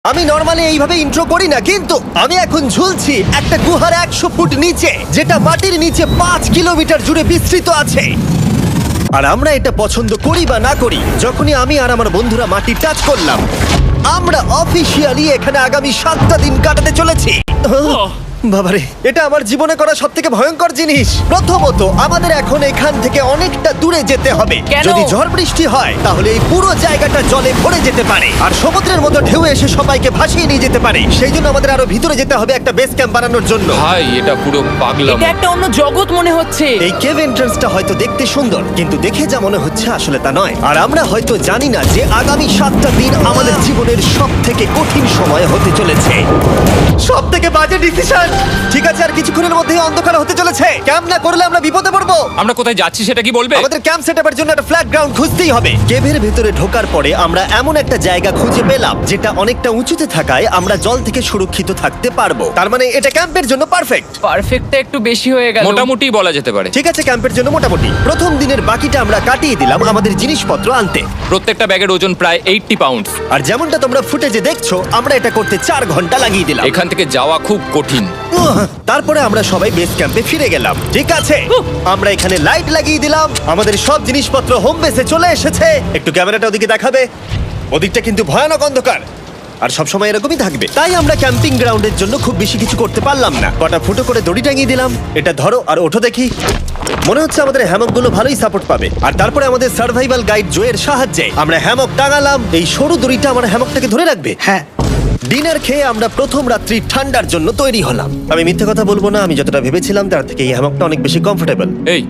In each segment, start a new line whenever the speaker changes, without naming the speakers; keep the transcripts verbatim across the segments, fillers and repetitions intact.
আমি নর্মালি এইভাবে ইন্ট্রো করি না, কিন্তু আমি এখন ঝুলছি একটা গুহার একশো ফুট নিচে, যেটা মাটির নিচে পাঁচ কিলোমিটার জুড়ে বিস্তৃত আছে। আর আমরা এটা পছন্দ করি বা না করি, যখনই আমি আর আমার বন্ধুরা মাটি টাচ করলাম, আমরা অফিসিয়ালি এখানে আগামী সাতটা দিন কাটাতে চলেছি। বাবারে, এটা আমার জীবনে করা সব থেকে ভয়ঙ্কর জিনিস। প্রথমত, আমাদের এখন এখান থেকে অনেকটা দূরে যেতে হবে।
কেন?
যদি ঝড় বৃষ্টি হয় তাহলে এই পুরো জায়গাটা জলে ভরে যেতে পারে, আর সমুদ্রের মতো ঢেউ এসে সবাইকে ভাসিয়ে নিয়ে যেতে পারে। সেই জন্য আমাদের আরো ভিতরে যেতে হবে একটা বেস ক্যাম্প বানানোর জন্য।
ভাই এটা পুরো পাগলাম।
এটা একটা অন্য জগৎ মনে হচ্ছে।
এই কেভ এন্ট্রান্সটা হয়তো দেখতে সুন্দর, কিন্তু দেখে যা মনে হচ্ছে আসলে তা নয়। আর আমরা হয়তো জানি না যে আগামী সাতটা দিন আমাদের জীবনের সব থেকে কঠিন সময় হতে চলেছে। সব থেকে বাজে ডিসিশন। ঠিক আছে, আর কিছুক্ষণের মধ্যেই অন্ধকার হতে চলেছে। ক্যাম্প না করলে আমরা বিপদে পড়বো।
আমরা কোথায় যাচ্ছি সেটা কি বলবে?
আমাদের ক্যাম্প সেটআপের জন্য একটা ফ্ল্যাট গ্রাউন্ড খুঁজতেই হবে। কেভের ভেতরে ঢোকার পরে আমরা এমন একটা জায়গা খুঁজে পেলাম যেটা অনেকটা উঁচুতে থাকায় আমরা জল থেকে সুরক্ষিত থাকতে পারবো। তার মানে এটা ক্যাম্পের জন্য পারফেক্ট।
পারফেক্টটা একটু বেশি হয়ে গেল।
মোটামুটি বলা যেতে পারে।
ঠিক আছে, ক্যাম্পের জন্য মোটামুটি। প্রথম দিনের বাকিটা আমরা কাটিয়ে দিলাম আমাদের জিনিসপত্র আনতে।
প্রত্যেকটা ব্যাগের ওজন প্রায় আশি পাউন্ড।
আর যেমনটা তোমরা ফুটেজে দেখছো, আমরা এটা করতে চার ঘন্টা লাগিয়ে দিলাম।
এখান থেকে যাওয়া খুব কঠিন।
উহ, তারপরে আমরা সবাই বেস ক্যাম্পে ফিরে গেলাম। ঠিক আছে, আমরা এখানে লাইট লাগিয়ে দিলাম। আমাদের সব জিনিসপত্র হোম বেসে চলে এসেছে। একটু ক্যামেরাটা ওদিকে দেখাবে? ওদিকটা কিন্তু ভয়ানক অন্ধকার, আর সবসময় এরকমই থাকবে। তাই আমরা ক্যাম্পিং গ্রাউন্ডের জন্য খুব বেশি কিছু করতে পারলাম না। কটা ফুটো করে দড়ি টাঙিয়ে দিলাম। এটা ধরো আর ওঠো দেখি। মনে হচ্ছে আমাদের হ্যামকগুলো ভালোই সাপোর্ট পাবে। আর তারপরে আমাদের সার্ভাইভাল গাইড জোয়ের সাহায্যে আমরা হ্যামক টাঙালাম। এই সরু দড়িটা আমার হ্যামকটাকে ধরে রাখবে। হ্যাঁ। ডিনার খেয়ে আমরা প্রথম রাত্রি ঠান্ডার জন্য তৈরি হলাম। আমি মিথ্যে কথা বলবো না, আমি যতটা ভেবেছিলাম তার থেকে এই হ্যামকটা অনেক বেশি কমফোর্টেবল।
এই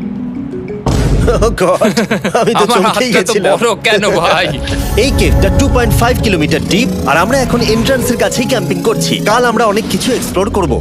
আমি তো
আমার
চমকেই
হাতটা তো
গেছিলাম।
বড় কেন ভাই?
এই কেভটা two point five kilometre deep, আর আমরা এখন এন্ট্রান্সের কাছেই ক্যাম্পিং করছি। কাল আমরা অনেক কিছু এক্সপ্লোর করব।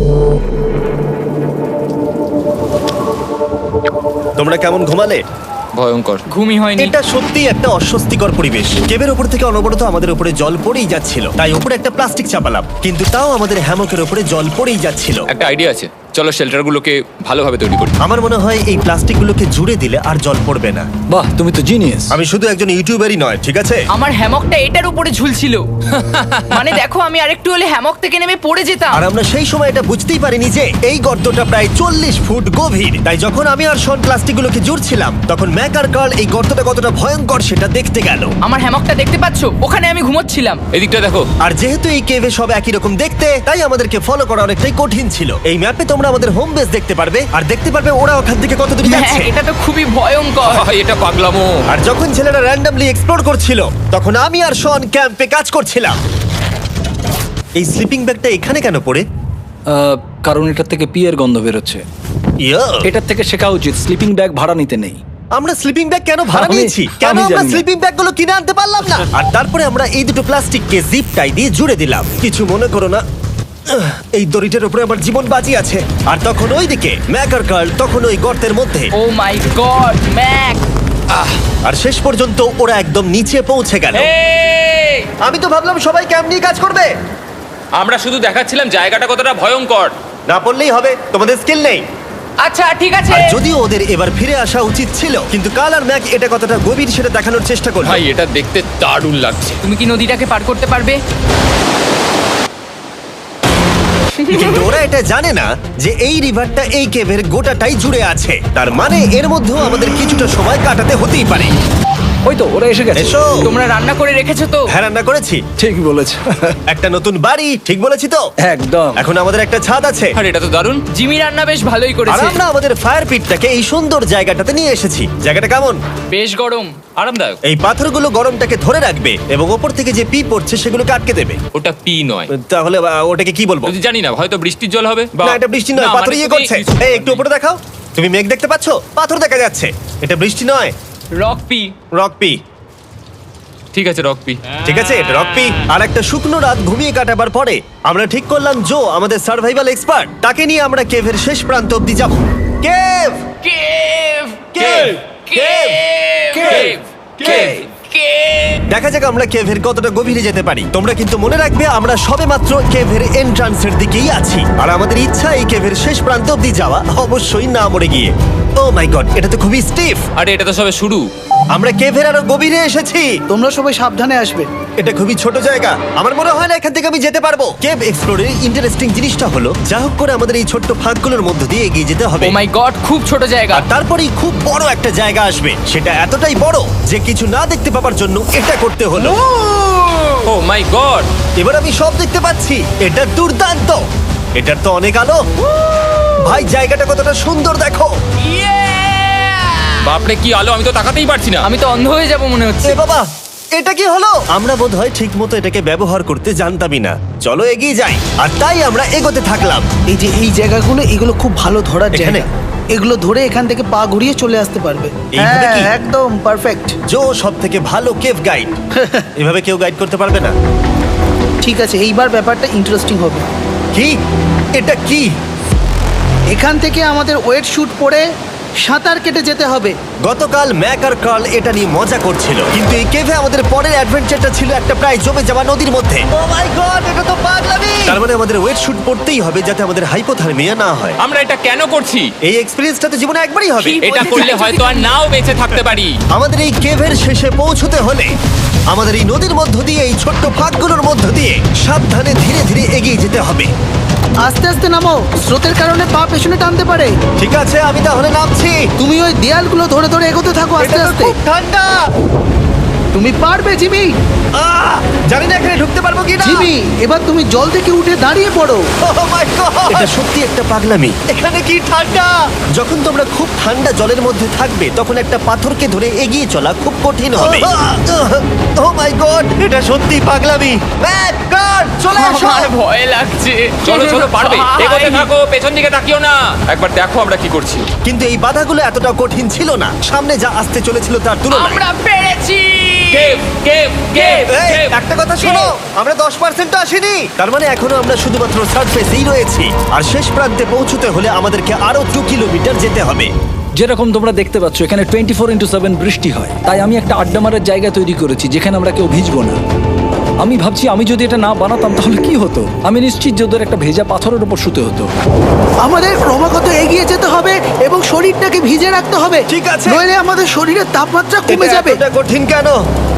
তোমরা কেমন ঘুমালে?
ভয়ঙ্কর।
ঘুমই হয়নি।
এটা সত্যি একটা অস্বস্তিকর পরিবেশ। কেবের উপর থেকে অনবরত আমাদের উপরে জল পড়েই যাচ্ছিল, তাই উপরে একটা প্লাস্টিক চাপালাম, কিন্তু তাও আমাদের হ্যামকের উপরে জল পড়েই যাচ্ছিল।
একটা আইডিয়া আছে, চলো শেল্টারগুলোকে ভালোভাবে তৈরি করি।
আমার মনে হয় এই প্লাস্টিকগুলোকে জুড়ে দিলে আর জল পড়বে না।
বাহ, তুমি তো জিনিয়াস।
আমি শুধু একজন ইউটিউবারই নয়, ঠিক আছে?
আমার হ্যামকটা এটার উপরে ঝুলছিল। মানে দেখো, আমি আরেকটু হলে হ্যামক থেকে নেমে পড়ে যেতাম।
আর আমরা সেই সময় এটা বুঝতেই পারিনি যে এই গর্তটা প্রায় চল্লিশ ফুট গভীর। তাই যখন আমি আর শন প্লাস্টিকগুলোকে জুড়ছিলাম, তখন ম্যাক আর কার্ল এই গর্তটা কতটা ভয়ঙ্কর সেটা দেখতে গেল।
আমার হ্যামকটা দেখতে পাচ্ছো? ওখানে আমি ঘুমোচ্ছিলাম।
এদিকটা দেখো।
আর যেহেতু এই কেভে সব একই রকম দেখতে, তাই আমাদেরকে ফলো করা অনেকটাই কঠিন ছিল। এই ম্যাপে তোমরা আমাদের হোম বেস দেখতে পারবে, আর দেখতে পারবে ওরা ওখান থেকে কত দূর
হ্যাঁ,
যাচ্ছে।
এটা তো খুবই ভয়ঙ্কর।
ভাই এটা পাগলামো।
আর যখন ছেলেরা র্যান্ডমলি এক্সপ্লোর করছিল, তখন আমি আর শন ক্যাম্পে কাজ করছিলাম। এই স্লিপিং ব্যাগটা এখানে কেন পড়ে?
আহ, কারণ এটার থেকে পিয়ের গন্ধ বেরোচ্ছে।
ইয়া,
এটার থেকে শেখা উচিত স্লিপিং ব্যাগ ভাড়া নিতে নেই।
আমরা স্লিপিং ব্যাগ কেন ভাড়া
আমি-
নিয়েছি? কেন
আমি
আমরা
জানি না।
স্লিপিং ব্যাগগুলো কিনে আনতে পারলাম না? আর তারপরে আমরা এই দুটো প্লাস্টিককে জিপ টাই দিয়ে জুড়ে দিলাম। কিছু মনে করো না, আহ, এই দড়িটার উপরে আমার জীবন বাজি আছে। আর তখন ওইদিকে ম্যাক আর কার্ল তখন ওই গর্তের মধ্যে।
ও মাই গড, ম্যাক!
আর শেষ পর্যন্ত ওরা একদম নিচে পৌঁছে গেল।
এই,
আমি তো ভাবলাম সবাই ক্যাম্প নিয়ে কাজ করবে।
আমরা শুধু দেখাচ্ছিলাম জায়গাটা কতটা ভয়ঙ্কর।
না পড়লেই হবে, তোমাদের স্কিল নেই।
আচ্ছা ঠিক আছে।
আর যদিও ওদের এবার ফিরে আসা উচিত ছিল, কিন্তু কাল আর ম্যাক এটা কতটা গভীর সেটা দেখানোর চেষ্টা করলো।
ভাই এটা দেখতে দারুণ লাগছে।
তুমি কি নদীটাকে পার করতে পারবে?
কিন্তু ওরা এটা জানে না যে এই রিভারটা এই কেভের গোটাটাই জুড়ে আছে। তার মানে এর মধ্যেও আমাদের কিছুটা সময় কাটাতে হতেই পারে।
ওই তো ওরা এসে গেছে।
এসো।
তোমরা রান্না করে রেখেছো তো?
হ্যাঁ, রান্না করেছি।
ঠিক বলেছ।
একটা নতুন বাড়ি, ঠিক বলেছি তো?
একদম।
এখন আমাদের একটা ছাদ আছে।
আর এটা তো দারুণ।
জিমি রান্না বেশ ভালোই
আর
করেছে।
আমরা আমাদের ফায়ার পিটটাকে এই সুন্দর জায়গাটাতে নিয়ে এসেছি। জায়গাটা কেমন?
বেশ গরম।
আরামদায়ক।
এই পাথরগুলো গরমটাকে ধরে রাখবে এবং ওপর থেকে যে পি পড়ছে সেগুলোকে আটকে দেবে।
ওটা পি নয়।
তাহলে আহ, ওটাকে কি বলবো?
যদি জানি না, হয়তো বৃষ্টির জল হবে বা
না, এটা বৃষ্টি নয়,
না,
পাথর
মানে
ইয়ে
তুমি
করছে।
কিছু-
এই একটু উপরে দেখাও। তুমি মেঘ দেখতে পাচ্ছো? পাথর দেখা যাচ্ছে। এটা বৃষ্টি নয়,
রক পি।
Rock P.
ঠিক আছে, রক পি।
ঠিক আছে, এটা রক পি। আর একটা শুকনো রাত ঘুমিয়ে কাটাবার পরে আমরা ঠিক করলাম জো আমাদের সার্ভাইভাল এক্সপার্ট, তাকে নিয়ে আমরা কেভের শেষ প্রান্ত অব্দি যাব। Cave
cave!
Cave
cave!
Cave cave
cave!
দেখা যাক আমরা কেভের কতটা গভীরে যেতে পারি। তোমরা কিন্তু মনে রাখবে আমরা সবেমাত্র কেভের এন্ট্রান্সের দিকেই আছি, আর আমাদের ইচ্ছা এই কেভের শেষ প্রান্ত অব্দি যাওয়া, অবশ্যই না মরে গিয়ে। ও মাই গড, এটা তো খুবই স্টিফ।
আরে এটা তো সবে শুরু।
আমরা কেভের আরো গভীরে এসেছি।
তোমরা সবাই সাবধানে আসবে।
এটা খুবই ছোট জায়গা, আমার মনে হয় না এখান থেকে আমি যেতে পারবো। কেভ এক্সপ্লোরের ইন্টারেস্টিং জিনিসটা হলো যা হোক করে আমাদের এই ছোট্ট ফাঁকগুলোর মধ্য দিয়ে এগিয়ে যেতে হবে।
ও মাই গড, খুব ছোট জায়গা।
আর তারপরেই খুব বড় একটা জায়গা আসবে, সেটা এতটাই বড় যে কিছু না দেখতে পাওয়ার জন্য এটা করতে হলো।
Oh my god!
এবার আমি সব দেখতে পাচ্ছি, এটা দুর্দান্ত। এটার তো অনেক আলো। ভাই জায়গাটা কতটা সুন্দর দেখো।
বাপরে কি আলো, আমি তো তাকাতেই পারছি না।
আমি তো অন্ধ হয়ে যাব মনে হচ্ছে।
এ বাবা, এটা কি হলো? আমরা বোধহয় ঠিক মতো এটাকে ব্যবহার করতে জানতামই না। চলো এগিয়ে যাই। আর তাই আমরা এগোতে থাকলাম।
এই যে এই জায়গাগুলো, এগুলো খুব ভালো ধরার
এখানে?
জায়গা। এগুলো ধরে এখান থেকে পা ঘুরিয়ে চলে আসতে পারবে।
এইভাবে কি?
হ্যাঁ, একদম পারফেক্ট।
জো সব থেকে ভালো কেভ গাইড। এভাবে কেউ গাইড করতে পারবে না।
ঠিক আছে, এইবার ব্যাপারটা ইন্টারেস্টিং হবে।
কি? এটা কি?
এখান থেকে আমাদের ওয়েট শুট পরে সাঁতার কেটে যেতে হবে।
গতকাল ম্যাক আর কার্ল এটা নিয়ে মজা করছিল, কিন্তু এই কেভে আমাদের পরের অ্যাডভেঞ্চারটা ছিল একটা প্রায় জমে যাওয়া নদীর মধ্যে। ও মাই গড, এটা তো পাগলামি! তার মানে আমাদের ওয়েট শুট পড়তেই হবে যাতে আমাদের হাইপোথার্মিয়া না হয়।
আমরা এটা কেন করছি?
এই এক্সপেরিয়েন্সটা তো জীবনে একবারই হবে।
কি?
এটা
বলতে
করলে
চাইছো
হয়তো আর নাও বেঁচে থাকতে পারি।
আমাদের এই কেভের শেষে পৌঁছতে হলে আমাদের এই নদীর মধ্য দিয়ে, এই ছোট্ট ফাঁকগুলোর মধ্য দিয়ে সাবধানে ধীরে ধীরে এগিয়ে যেতে হবে।
আস্তে আস্তে নামো, স্রোতের কারণে পা পেছনে টানতে পারে।
ঠিক আছে, আমি তাহলে নামছি।
তুমি ওই দেয়ালগুলো ধরে ধরে এগোতে থাকো আস্তে
এটা তো
আস্তে।
খুব ঠান্ডা।
তুমি পারবে জিমি।
আহ! জানি না এখানে ঢুকতে পারবো কি না।
জিমি, এবার তুমি জল থেকে উঠে দাঁড়িয়ে পড়ো।
এটা সত্যি একটা পাগলামি। এখানে কি ঠান্ডা! যখন তোমরা খুব ঠান্ডা জলের মধ্যে থাকবে তখন একটা পাথরকে ধরে এগিয়ে চলা খুব কঠিন হবে। ও মাই গড, এটা সত্যি পাগলামি। ম্যাক, কার্ল, চলে আসো।
আমার ভয় লাগছে।
চলো চলো, পারবে।
ভাই।
এগোতে থাকো, পেছন দিকে তাকিও না। একবার দেখো আমরা কি করছি।
কিন্তু এই বাধাগুলো এতটা কঠিন ছিল না সামনে যা আসতে চলেছিল তার তুলনায়।
আমরা পেরেছি।
কেভ কেভ কেভ
এই,
কেভ।
একটা কথা শোনো, আমরা দশ পার্সেন্ট আসিনি। তার মানে এখনো আমরা শুধুমাত্র সার্ফেসেই রয়েছি, আর শেষ প্রান্তে পৌঁছতে হলে আমাদেরকে আরো দু কিলোমিটার যেতে হবে।
যেরকম তোমরা দেখতে পাচ্ছ এখানে টোয়েন্টি ফোর ইন্টু সেভেন বৃষ্টি হয়, তাই আমি একটা আড্ডা মারার জায়গা তৈরি করেছি যেখানে আমরা কেউ ভিজবো না। আমি ভাবছি আমি যদি এটা না বানাতাম তাহলে কি হতো। আমি নিশ্চিত যে ওদের একটা ভেজা পাথরের উপর শুতে হতো।
আমাদের ক্রমাগত এগিয়ে যেতে হবে এবং শরীরটাকে ভিজে রাখতে হবে।
ঠিক আছে।
নইলে আমাদের শরীরের তাপমাত্রা কমে
এটা
যাবে।
এতটা কঠিন কেন?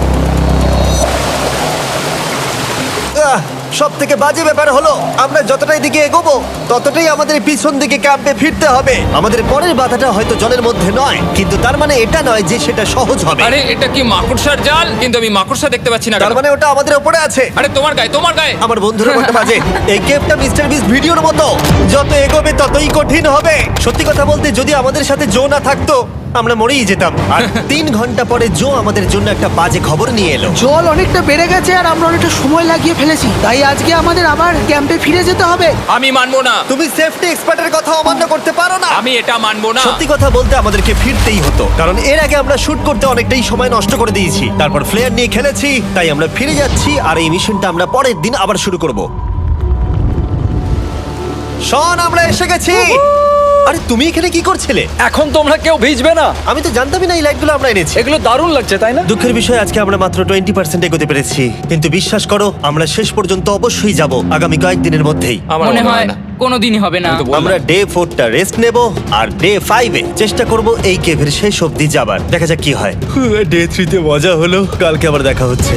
সব থেকে বাজে ব্যাপার হলো আমরা যতটাই দিকে এগোবো ততটাই আমাদের পিছন দিকে ক্যাম্পে ফিরতে হবে। আমাদের পরের বাধাটা হয়তো জলের মধ্যে নয়, কিন্তু তার মানে এটা নয় যে সেটা সহজ হবে।
আরে এটা কি মাকড়সার জাল? কিন্তু আমি মাকড়সা দেখতে পাচ্ছি না
তার
কেন?
মানে ওটা আমাদের উপরে আছে।
আরে তোমার গায়ে, তোমার গায়ে।
আমার বন্ধুরা বলতে বাজে। এই গেমটা মিস্টার বিস ভিডিওর মতো, যত এগোবে ততই কঠিন হবে। সত্যি কথা বলতে যদি আমাদের সাথে জো না থাকতো আমরা মরেই যেতাম। আর তিন ঘন্টা পরে জো আমাদের জন্য একটা বাজে খবর নিয়ে এলো।
জল অনেকটা বেড়ে গেছে আর আমরা অনেকটা সময় লাগিয়ে ফেলেছি, তাই আজকে আমাদের আবার ক্যাম্পে ফিরে যেতে হবে।
আমি মানবো না।
তুমি সেফটি এক্সপার্টের কথা অমান্য করতে পারো না।
আমি এটা মানবো না।
সত্যি কথা বলতে আমাদেরকে ফিরতেই হতো, কারণ এর আগে আমরা শুট করতে অনেকটাই সময় নষ্ট করে দিয়েছি। তারপর ফ্লেয়ার নিয়ে খেলেছি, তাই আমরা ফিরে যাচ্ছি আর এই মিশনটা আমরা পরের দিন আবার শুরু করব। শন, আমরা এসে গেছি। আরে তুমি এখানে কি করছিলে?
এখন তোমরা কেউ ভিজবে না।
আমি তো জানতামই না এই লাইটগুলো আমরা এনেছি।
এগুলো দারুণ লাগছে তাই না?
দুঃখের বিষয় আজকে আমরা মাত্র টোয়েন্টি পার্সেন্ট এগোতে পেরেছি, কিন্তু বিশ্বাস করো আমরা শেষ পর্যন্ত অবশ্যই যাব আগামী কয়েকদিনের মধ্যেই।
আমার
মনে হয় কোনোদিনই হবে না।
আমি তো বললাম।
আমরা ডে ফোরটা রেস্ট নেব আর ডে ফাইভে চেষ্টা করব এই কেভের শেষ অবধি যাবার। দেখা যাক কি হয়। ডে থ্রিতে মজা হলো, কালকে আবার দেখা হচ্ছে।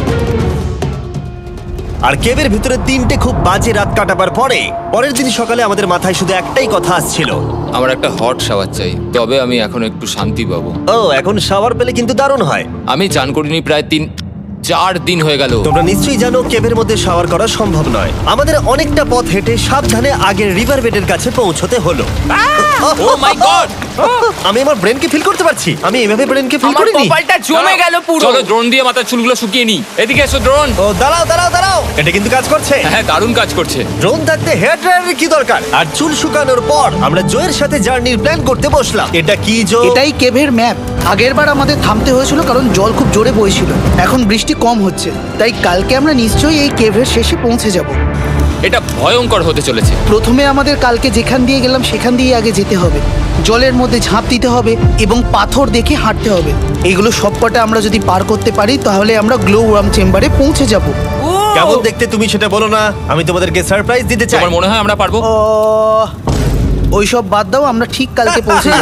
আর কেভের ভিতরে তিনটে খুব বাজে রাত কাটাবার পরে পরের দিন সকালে আমাদের মাথায় শুধু একটাই কথা আসছিল,
আমার একটা হট শাওয়ার চাই, তবে আমি এখন একটু শান্তি পাবো।
ও এখন শাওয়ার পেলে কিন্তু দারুণ হয়।
আমি চান করিনি প্রায় তিন চার দিন হয়ে গেল।
তোমরা নিশ্চয়ই জানো কেভের মধ্যে শাওয়ার করা সম্ভব নয়। আমাদের অনেকটা পথ হেঁটে সাবধানে আগের রিভার বেডের কাছে পৌঁছতে হলো।
Oh my god!
আমি আমার ব্রেনকে ফিল করতে পারছি। আমি এভাবে ব্রেনকে ফিল
আমার
করিনি।
কপালটা জমে গেল পুরো।
চলো ড্রোন দিয়ে মাথার চুলগুলো শুকিয়ে নি। এদিকে এসো ড্রোন।
ও দাঁড়াও দাঁড়াও দাঁড়াও, এটা কিন্তু কাজ করছে।
হ্যাঁ, দারুণ কাজ করছে।
ড্রোন থাকতে হেয়ার ড্রায়ারের কি দরকার? আর চুল শুকানোর পর আমরা জয়ের সাথে জার্নির প্ল্যান করতে বসলাম। এটা কি জো?
এটাই কেভের ম্যাপ। আগেরবার আমাদের থামতে হয়েছিল কারণ জল খুব জোরে বইছিল। এখন বৃষ্টি কম হচ্ছে, তাই কালকে আমরা নিশ্চয়ই এই কেভের শেষে পৌঁছে যাব।
এটা ভয়ঙ্কর হতে চলেছে।
প্রথমে আমাদের কালকে যেখান দিয়ে গেলাম সেখান দিয়ে আগে যেতে হবে। জলের মধ্যে ঝাঁপ দিতে হবে এবং পাথর দেখে হাঁটতে হবে। এগুলো সবকটা আমরা যদি পার করতে পারি তাহলে আমরা গ্লো ওয়ার্ম চেম্বারে পৌঁছে যাব।
কেমন দেখতে তুমি সেটা বলো না, আমি তোমাদেরকে সারপ্রাইজ দিতে চাই।
তোমার মনে হয় আমরা পারবো?
ওইসব বাদ দাও, আমরা ঠিক কালকে পৌঁছে যাব।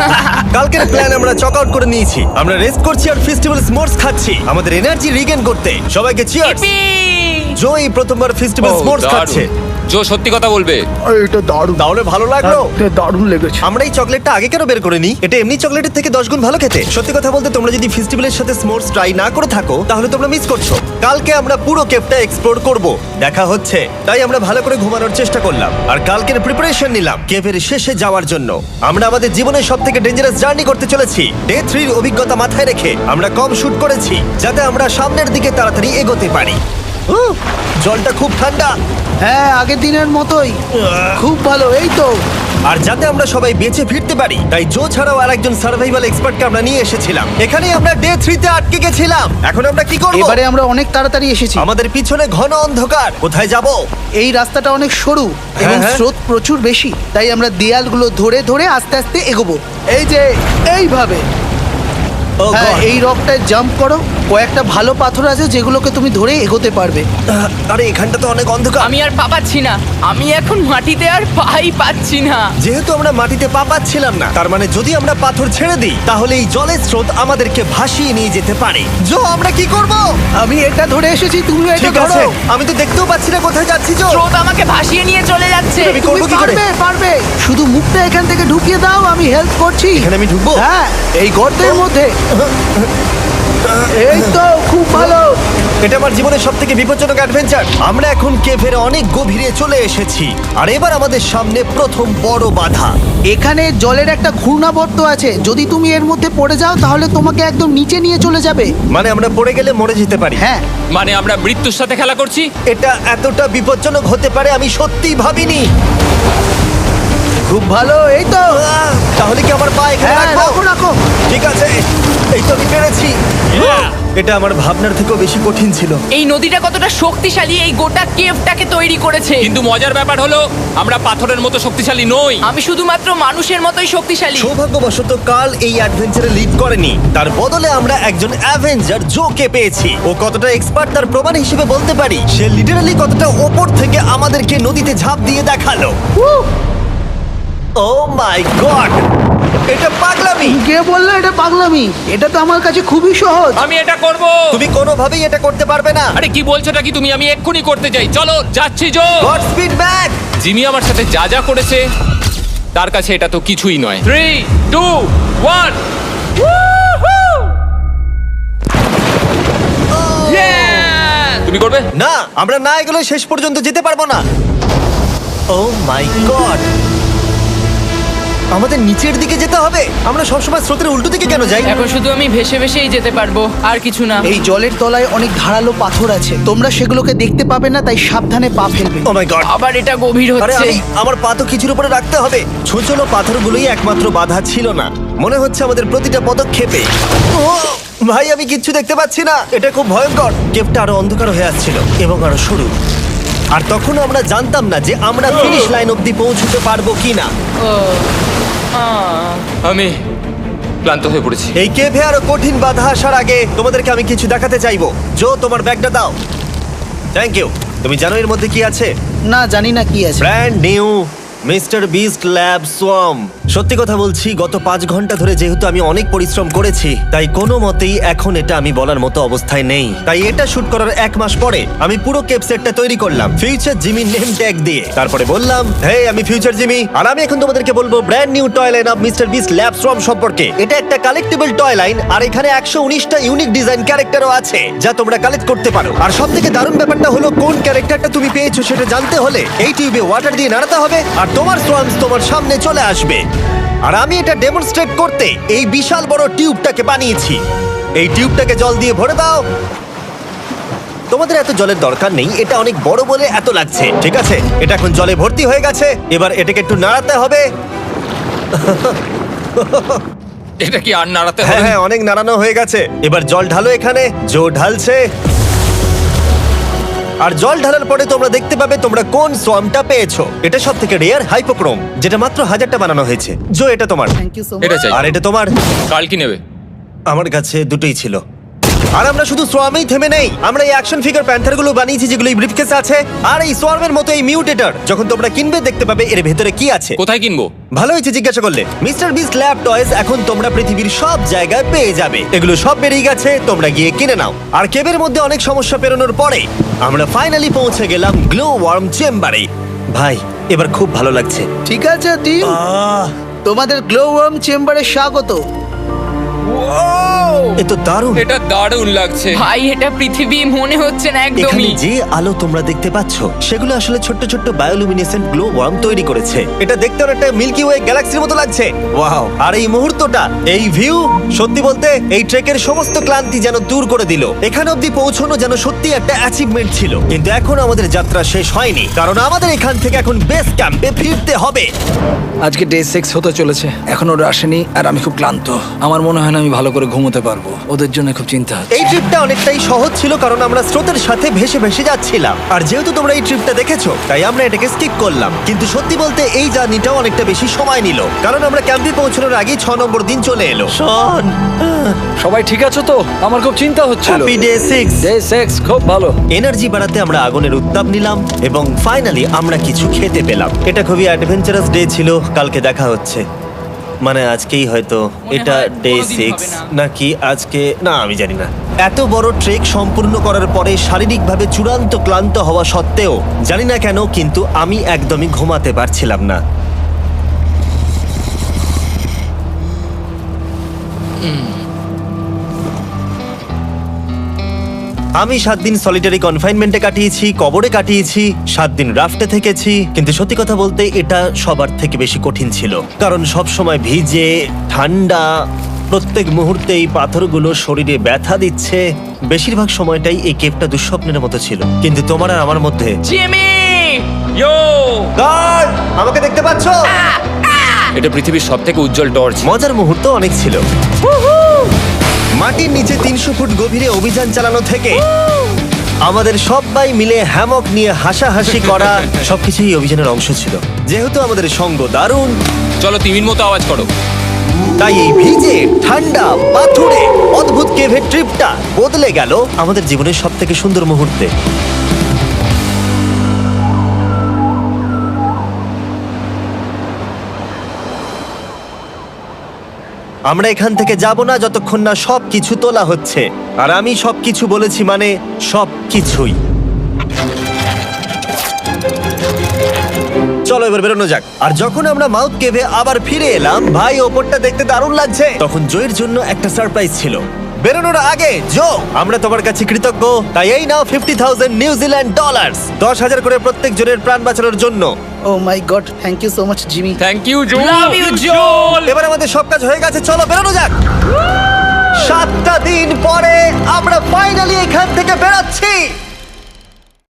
কালকের প্ল্যান আমরা চক আউট করে নিয়েছি। আমরা রেস্ট করছি আর ফেস্টিভ্যাল স্মোর্টস খাচ্ছি আমাদের এনার্জি রিগেন করতে। সবাইকে চিয়ার্স।
Yippee!
জো এই প্রথমবার ফেস্টিভ্যাল
ও,
স্মোর্টস
দারুণ।
খাচ্ছে।
জো সত্যি কথা বলবে।
এটা দারুণ,
তাহলে ভালো লাগলো?
দারুণ লেগেছে।
আমরা এই চকলেটটা আগে কেন বের করিনি? এটা এমনি চকলেটের থেকে দশ গুণ ভালো খেতে। সত্যি কথা বলতে তোমরা যদি ফেস্টিভ্যালের সাথে স্মোর্টস ট্রাই না করে থাকো তাহলে তোমরা মিস করছো। কালকে আমরা পুরো কেপটা এক্সপ্লোর করব, দেখা হচ্ছে। তাই আমরা ভালো করে ঘুমানোর চেষ্টা করলাম আর কালকের প্রিপারেশন নিলাম কেভের শেষে যাওয়ার জন্য। আমরা আমাদের জীবনের সব থেকে ডেঞ্জারাস জার্নি করতে চলেছি। ডে থ্রির অভিজ্ঞতা মাথায় রেখে আমরা কম শুট করেছি যাতে আমরা সামনের দিকে তাড়াতাড়ি এগোতে পারি। উহ, জলটা খুব ঠান্ডা
হ্যাঁ, আগের দিনের মতোই খুব ভালো। এই তো
আর যাতে আমরা সবাই বেঁচে ফিরতে পারি তাই জো ছাড়াও আর একজন সার্ভাইভাল এক্সপার্টকে আমরা নিয়ে এসেছিলাম। এখানে আমরা ডে থ্রিতে আটকে গেছিলাম। এখন আমরা কি করব?
এবারে আমরা অনেক তাড়াতাড়ি এসেছি।
আমাদের পিছনে ঘন অন্ধকার, কোথায় যাব?
এই রাস্তাটা অনেক সরু এবং
হ্যাঁ।
স্রোত প্রচুর বেশি, তাই আমরা দেয়ালগুলো ধরে ধরে আস্তে আস্তে এগোবো। এই যে এইভাবে।
ও
হ্যাঁ,
God!
এই রকটায় জাম্প করো। কয়েকটা ভালো পাথর আছে যেগুলোকে তুমি ধরে এগোতে পারবে।
আহ, আরে এখানটা তো অনেক অন্ধকার।
আমি আর পা পাচ্ছি না, আমি এখন মাটিতে আর পাই পাচ্ছি না।
যেহেতু আমরা মাটিতে পা পাচ্ছিলাম না, তার মানে যদি আমরা পাথর ছেড়ে দিই তাহলে এই জলের স্রোত আমাদেরকে ভাসিয়ে নিয়ে যেতে পারে। জো, আমরা কি করব?
আমি এটা ধরে এসেছি, তুমি এটা
ঠিক
ধরো।
আছে, আমি তো দেখতেও পাচ্ছি না কোথায় যাচ্ছি। জো,
স্রোত আমাকে ভাসিয়ে নিয়ে চলে যাচ্ছে।
আমি
তুমি
করবো কি করে?
পারবে, পারবে। শুধু মুখটা এখান থেকে ঢুকিয়ে দাও, আমি হেল্প করছি।
এখানে আমি ঢুকবো?
হ্যাঁ, এই গর্তের মধ্যে। এই তো, খুব ভালো।
এটা আমার জীবনের সব থেকে বিপজ্জনক অ্যাডভেঞ্চার। আমরা এখন কেভের অনেক গভীরে চলে এসেছি আর এবার আমাদের সামনে প্রথম বড় বাধা।
এখানে জলের একটা ঘূর্ণাবর্ত আছে, যদি তুমি এর মধ্যে পড়ে যাও তাহলে তোমাকে একদম নিচে নিয়ে চলে যাবে।
মানে আমরা পড়ে গেলে মরে যেতে পারি।
হ্যাঁ,
মানে আমরা মৃত্যুর সাথে খেলা করছি।
এটা এতটা বিপজ্জনক হতে পারে আমি সত্যিই ভাবিনি।
খুব ভালো। এই তো,
আহ, তাহলে কি আমার পা এখানে
হ্যাঁ,
রাখবো?
রাখো রাখো।
ঠিক আছে, এই তো আমি পেরেছি। এটা আমার ভাবনার থেকেও বেশি কঠিন ছিল।
এই নদীটা কতটা শক্তিশালী এই গোটা কেভটাকে তৈরি করেছে।
কিন্তু মজার ব্যাপার হলো আমরা পাথরের মতো শক্তিশালী নই।
আমি শুধুমাত্র মানুষের মতোই শক্তিশালী।
সৌভাগ্যবশত কাল এই অ্যাডভেঞ্চারে লিড করেনি, তার বদলে আমরা একজন অ্যাভেঞ্জার জোকে পেয়েছি। ও কতটা এক্সপার্ট তার প্রমাণ হিসেবে বলতে পারি। সে লিটারালি কতটা ওপর থেকে আমাদেরকে নদীতে ঝাঁপ দিয়ে দেখালো। ও মাই গড, এটা পাগলামি।
কে বললো এটা পাগলামি? এটা তো আমার কাছে খুবই সহজ।
আমি এটা করব।
তুমি কোনোভাবেই এটা করতে পারবে না।
আরে কি বলছোটা কি তুমি? আমি এক্ষুনি করতে চাই। চলো যাচ্ছি Joe.
God speed back.
Jimmy আমার সাথে যা যা করেছে তার কাছে এটা তো কিছুই নয়। Three two one. তুমি করবে?
না, আমরা না এগুলো শেষ পর্যন্ত যেতে পারবো না। ও মাই গড, আমাদের নিচের দিকে যেতে হবে। আমরা সবসময় স্রোতের উল্টো দিকে কেন যাই?
এখন শুধু আমি ভেসে ভেসেই যেতে পারবো, আর কিছু না।
এই জলের তলায় অনেক ধারালো পাথর আছে, তোমরা সেগুলোকে দেখতে পাবে না, তাই সাবধানে পা ফেলবে।
ও মাই গড,
আবার এটা গভীর
আরে
হচ্ছে।
আমি আমার পা তো কিছুর উপরে রাখতে হবে। ছোট পাথরগুলোই একমাত্র বাধা ছিল না, মনে হচ্ছে আমাদের প্রতিটা পদক্ষেপে। ও ভাই, আমি কিচ্ছু দেখতে পাচ্ছি না। এটা খুব ভয়ঙ্কর। কেভটা আরো অন্ধকার হয়ে আসছিল এবং আরো সরু। আর তখন আমরা জানতাম না যে আমরা ফিনিশ লাইন অব্দি পৌঁছতে পারবো কিনা।
ও, আহ।
আমি ক্লান্ত হয়ে পড়েছি।
এই কেভে আরো কঠিন বাধা আসার আগে তোমাদেরকে আমি কিছু দেখাতে চাইবো। জো, তোমার ব্যাগটা দাও। Thank you. তুমি জানো এর মধ্যে কি আছে?
না, জানি না কি আছে।
Brand new Mister Beast lab swarm. সত্যি কথা বলছি, গত পাঁচ ঘন্টা ধরে যেহেতু আমি অনেক পরিশ্রম করেছি, তাই কোনো মতেই এখন এটা আমি বলার মতো অবস্থায় নেই। তাই এটা শুট করার এক মাস পরে আমি পুরো কেপ সেটটা তৈরি করলাম ফিউচার জিমি নেম ট্যাগ দিয়ে। তারপরে বললাম, হে, আমি ফিউচার জিমি, আর আমি এখন তোমাদেরকে বলবো brand new toy line of Mister Beast lab swarm সম্পর্কে। এটা একটা কালেক্টেবল টয় লাইন, আর এখানে একশো উনিশটা ইউনিক ডিজাইন ক্যারেক্টারও আছে যা তোমরা কালেক্ট করতে পারো। আর সব থেকে দারুণ ব্যাপারটা হলো, কোন ক্যারেক্টারটা তুমি পেয়েছো সেটা জানতে হলে এই টিউবে ওয়াটার দিয়ে নাড়াতে হবে আর তোমার সোয়ামস তোমার সামনে চলে আসবে। আর আমি এটা ডেমনস্ট্রেট করতে এই বিশাল বড় টিউবটাকে বানিয়েছি। এই টিউবটাকে জল দিয়ে ভরে দাও। তোমাদের এত জলের দরকার নেই, এটা অনেক বড় বলে এত লাগছে। ঠিক আছে, এটা এখন জলে ভর্তি হয়ে গেছে। এবার এটাকে একটু নাড়াতে হবে।
এটা কি আর নাড়াতে
হ্যাঁ
হবে?
হ্যাঁ, অনেক নাড়ানো হয়ে গেছে। এবার জল ঢালো এখানে। জো ঢালছে। আর জল ঢালার পরে তোমরা দেখতে পাবে তোমরা কোন সোয়ামটা পেয়েছো। এটা সব থেকে রেয়ার হাইপোক্রোম, যেটা মাত্র হাজারটা বানানো হয়েছে। জো, এটা তোমার।
থ্যাংক ইউ সো
এটা
মাচ।
চাই।
আর এটা তোমার।
কাল কি নেবে?
আমার কাছে দুটোই ছিল। আর আমরা শুধু সোয়ামেই থেমে নেই, আমরা এই অ্যাকশন ফিগার প্যান্থার গুলো বানিয়েছি যেগুলো এই ব্রিফকেসে আছে। আর এই সোয়ার্মের মতো এই মিউটেটর যখন তোমরা কিনবে দেখতে পাবে এর ভেতরে কি আছে।
কোথায় কিনবো?
ভালো হয়েছে জিজ্ঞাসা করলে। মিস্টার বিস্ট ল্যাব টয়েস এখন তোমরা পৃথিবীর সব জায়গায় পেয়ে যাবে। এগুলো সব বেরিয়ে গেছে, তোমরা গিয়ে কিনে নাও। আর কেবের মধ্যে অনেক সমস্যা পেরোনোর পরে আমরা ফাইনালি পৌঁছে গেলাম গ্লো ওয়ার্ম চেম্বারে। ভাই এবার খুব ভালো লাগছে।
ঠিক আছে টিম,
আহ,
তোমাদের গ্লো ওয়ার্ম চেম্বারে স্বাগত।
এ তো দারুণ।
এটা দারুণ লাগছে।
ভাই এটা পৃথিবী মনে হচ্ছে না
এখানে
একদমই।
যে আলো তোমরা দেখতে পাচ্ছ সেগুলো আসলে ছোট্ট ছোট্ট বায়োলুমিনেসেন্ট গ্লো ওয়ার্ম তৈরি করেছে। এটা দেখতে অনেকটা মিল্কি ওয়ে গ্যালাক্সির মতো লাগছে। ওয়াও! আর এই মুহূর্তটা, এই ভিউ, সত্যি বলতে এই ট্রেকের সমস্ত ক্লান্তি যেন দূর করে দিল। এখানে অবধি পৌঁছানো যেন সত্যি একটা অ্যাচিভমেন্ট ছিল। কিন্তু এখন আমাদের যাত্রা শেষ হয়নি, কারণ আমাদের এখান থেকে এখন বেস ক্যাম্পে ফিরতে হবে।
আজকে ডে সিক্স হতে চলেছে, এখনো ওরা আসেনি আর আমি খুব ক্লান্ত। আমার মনে হয় না আমি ভালো করে ঘুমোতে পারবো, ওদের জন্য খুব চিন্তা হচ্ছে।
এই ট্রিপটা অনেকটাই সহজ ছিল কারণ আমরা স্রোতের সাথে ভেসে ভেসে যাচ্ছিলাম। আর যেহেতু তোমরা এই ট্রিপটা দেখেছো তাই আমরা এটাকে স্কিপ করলাম। কিন্তু সত্যি বলতে এই জার্নিটাও অনেকটা বেশি সময় নিল, কারণ আমরা ক্যাম্পে পৌঁছানোর আগেই ছ নম্বর দিন চলে এলো। শন,
সবাই ঠিক আছো তো? আমার খুব চিন্তা হচ্ছিল।
Happy day six.
Day six খুব ভালো।
এনার্জি বাড়াতে আমরা আগুনের উত্তাপ নিলাম এবং ফাইনালি আমরা কিছু খেতে পেলাম। এটা খুবই অ্যাডভেঞ্চারাস ডে ছিল। কালকে দেখা হচ্ছে, মানে আজকেই হয়তো। এটা
হয়
ডে
কোনোদিন
সিক্স
হবে না।
নাকি আজকে, না আমি জানি না। এত বড় ট্রেক সম্পূর্ণ করার পরে শারীরিকভাবে চূড়ান্ত ক্লান্ত হওয়া সত্ত্বেও জানি না কেন কিন্তু আমি একদমই ঘুমাতে পারছিলাম না। আমি সাত দিন সলিটারি কনফাইনমেন্টে কাটিয়েছি, কবরে কাটিয়েছি, সাত দিন রাফটে থেকেছি। কিন্তু সত্যি কথা বলতে এটা সবার থেকে বেশি কঠিন ছিল, কারণ সব সময় ভিজে, ঠান্ডা, প্রত্যেক মুহূর্তে এই পাথরগুলো শরীরে ব্যথা দিচ্ছে। বেশিরভাগ সময়টাই এই কেপটা দুঃস্বপ্নের মতো ছিল। কিন্তু তোমার আর আমার মধ্যে
জিমি!
ইয়ো!
গার্ড, আমাকে দেখতে পাচ্ছো?
এটা পৃথিবীর সবথেকে উজ্জ্বল টর্চ।
মজার মুহূর্ত অনেক ছিল। মাটির নিচে তিনশো ফুট গভীরে অভিযান চালানো থেকে আমাদের সবাই মিলে হ্যামক নিয়ে হাসাহাসি করা সবকিছুই অভিযানের অংশ ছিল। যেহেতু আমাদের সঙ্গ দারুণ,
চলো তিমির মতো আওয়াজ করো।
তাই এই ভিজে ঠান্ডা পাথুরে অদ্ভুত কেভের ট্রিপটা বদলে গেল আমাদের জীবনের সব থেকে সুন্দর মুহূর্তে। আমরা এখান থেকে যাব না যতক্ষণ না সব কিছু তোলা হচ্ছে। আর আমি সব কিছু বলেছি মানে সব কিছুই। চলো এবার বেরোনো যাক। আর যখন আমরা মাউথ কেভে আবার ফিরে এলাম, ভাই ওপরটা দেখতে দারুণ লাগছে। তখন জয়ের জন্য একটা সারপ্রাইজ ছিল। বেরোনোর আগে জো, আমরা তোমার কাছে কৃতজ্ঞ। তাই এই নাও ফিফটি থাউজেন্ড নিউজিল্যান্ড ডলার, দশ হাজার করে প্রত্যেক জনের প্রাণ বাঁচানোর জন্য।
Oh my god, thank you so much Jimmy.
Thank you Joe.
Love you, Joel!
এবার আমাদের সব কাজ হয়ে গেছে, চলো বেরোনো যাক। সাতটা দিন পরে আমরা ফাইনালি এখান থেকে বেরোচ্ছি।